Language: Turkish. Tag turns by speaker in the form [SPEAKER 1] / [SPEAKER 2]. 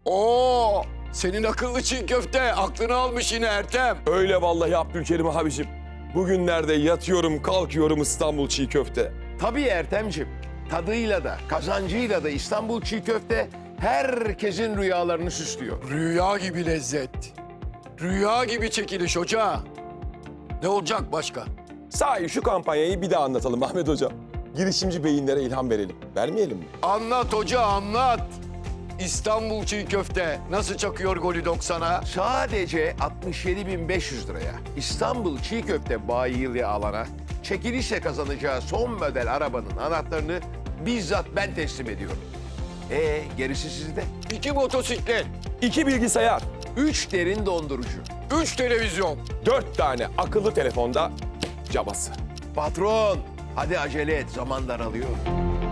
[SPEAKER 1] Oo, senin akıllı çiğ köfte aklını almış yine Ertem.
[SPEAKER 2] Öyle vallahi Abdülkerim abicim. Bugünlerde yatıyorum kalkıyorum İstanbul çiğ köfte.
[SPEAKER 3] Tabii Ertem'cim. Tadıyla da, kazancıyla da İstanbul çiğ köfte herkesin rüyalarını süslüyor.
[SPEAKER 1] Rüya gibi lezzet. Rüya gibi çekiliş hoca. Ne olacak başka?
[SPEAKER 2] Sahi şu kampanyayı bir daha anlatalım Ahmet Hocam. Girişimci beyinlere ilham verelim. Vermeyelim mi?
[SPEAKER 1] Anlat hoca anlat. İstanbul çiğ köfte nasıl çakıyor golü 90'a?
[SPEAKER 3] Sadece 67.500 liraya İstanbul çiğ köfte bayiliği alana çekilişle kazanacağı son model arabanın anahtarını bizzat ben teslim ediyorum. Gerisi sizde.
[SPEAKER 1] 2 motosiklet,
[SPEAKER 2] 2 bilgisayar,
[SPEAKER 3] 3 derin dondurucu.
[SPEAKER 1] 3 televizyon.
[SPEAKER 2] 4 tane akıllı telefonda cabası.
[SPEAKER 3] Patron, hadi acele et, zaman daralıyor.